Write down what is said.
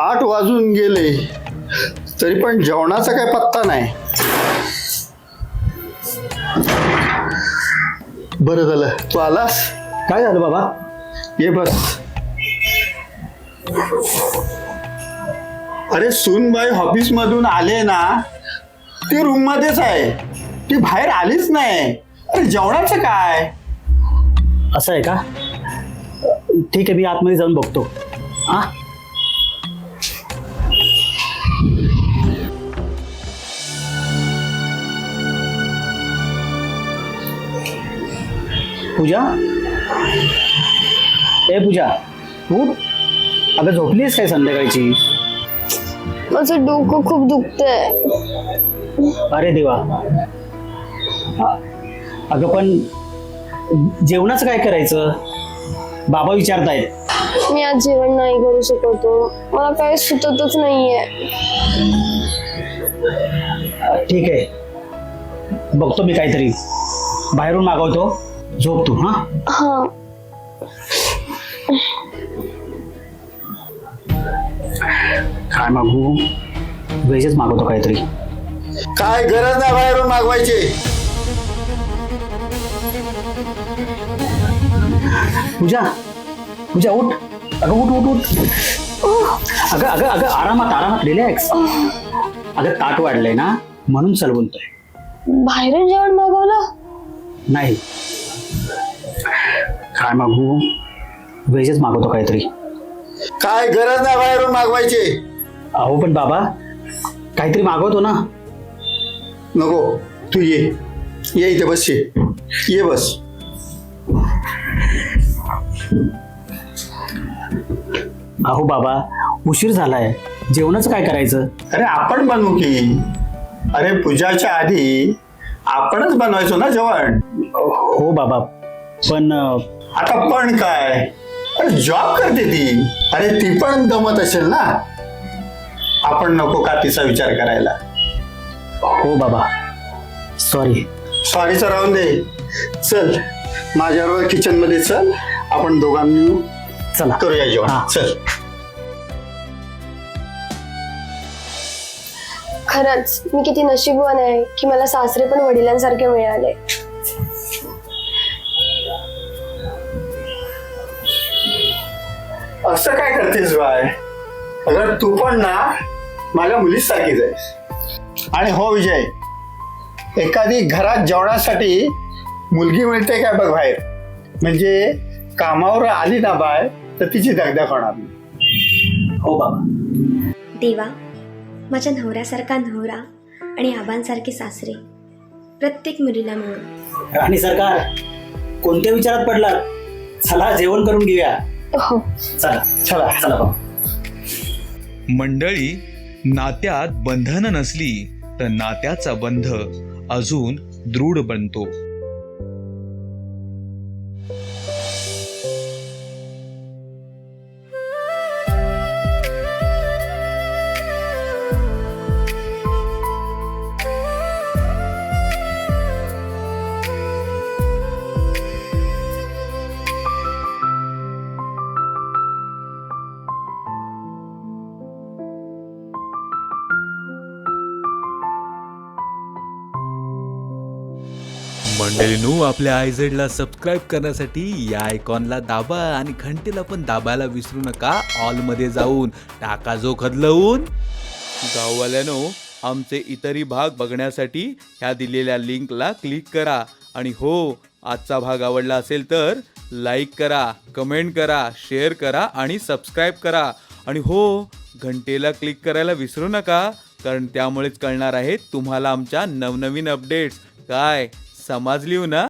8 वाजून गेले तरी पण जेवणाचा काय पत्ता नाही. बरं झालं तू आलास. काय झालं बाबा? ये बस. अरे सूनबाई ऑफिस मधून आले ना, ती रूम मध्येच आहे, ती बाहेर आलीच नाही. अरे जेवणाचं काय? असं आहे का? ठीक आहे, मी आतमध्ये जाऊन बघतो. हा, पूजा, ए पूजा, उठ. अगं झोपलीस काय संध्याकाळची? माझं डोकं खूप दुखतंय. अरे देवा. अगं पण जेवणाचं काय करायचं? बाबा विचारतायत. मी आज जेवण नाही करू शकतो, मला काही सुचतच नाहीये. ठीक आहे, बघतो मी काहीतरी बाहेरून मागवतो. झोप तू. हा हा. काय मागू? व्हेजच मागवतो काहीतरी. काय गरज नाही बाहेरून मागवायची. पूजा, पूजा उठ. अगं उठ उठ उठ. अगं अगं अगं आरामात आरामात, रिलॅक्स. अगं ताट वाढलंय ना, म्हणून बोलतोय. बाहेरून जेवण मागवलं? नाही. काय मागू? व्हेजच मागवतो काहीतरी. काय गरज नाही बाहेरून मागवायची. अहो पण बाबा काहीतरी मागवतो ना. नको, तू ये इथे बस. ये बस. अहो बाबा उशीर झालाय, जेवणाचं काय करायचं? अरे आपण बनवू की. अरे पूजाच्या आधी आपणच बनवायचो ना जेवण. हो बाबा, पण आता पण काय, अरे जॉब करते ती. अरे ती पण दमत असेल ना. आपण नको का तिचा विचार करायला? हो बाबा, सॉरी. सॉरीचं राहून दे. चल माझ्याबरोबर किचन मध्ये चल, आपण दोघांनी चला करूया जेवण. हा. चल. खरंच मी किती नशीबवान आहे की मला सासरे पण वडिलांसारखे मिळाले. असं काय करतेस बाय? अगर तू पण ना माझ्या मुलीच सारखीच आहेस. आणि हो विजय, एखादी घरात जेवणासाठी मुलगी मिळते काय बघ बाहेर. म्हणजे कामावर आली ना बाय तर तिची दगदग होणार नाही. हो बाबा. देवा, माझ्या नवऱ्यासारखा नवरा आणि आबांसारखे सासरे प्रत्येक मुलीला मिळो. आणि सरकार कोणत्या विचारात पडला? चला जेवण करून घेऊया. हो. चला चला चला बाबा. मंडळी, नात्यात बंधन नसली तर नात्याचा बंध अजून दृढ बनतो. मंडळींनो, आपल्या आयझेडला सबस्क्राईब करण्यासाठी या आयकॉनला दाबा आणि घंटेला पण दाबायला विसरू नका. ऑलमध्ये जाऊन टाका जो खदलवून. गाववाल्यानो, आमचे इतरही भाग बघण्यासाठी ह्या दिलेल्या लिंकला क्लिक करा. आणि हो, आजचा भाग आवडला असेल तर लाईक करा, कमेंट करा, शेअर करा आणि सबस्क्राईब करा. आणि हो, घंटेला क्लिक करायला विसरू नका, कारण त्यामुळेच कळणार आहेत तुम्हाला आमच्या नवनवीन अपडेट्स. काय समजली ना?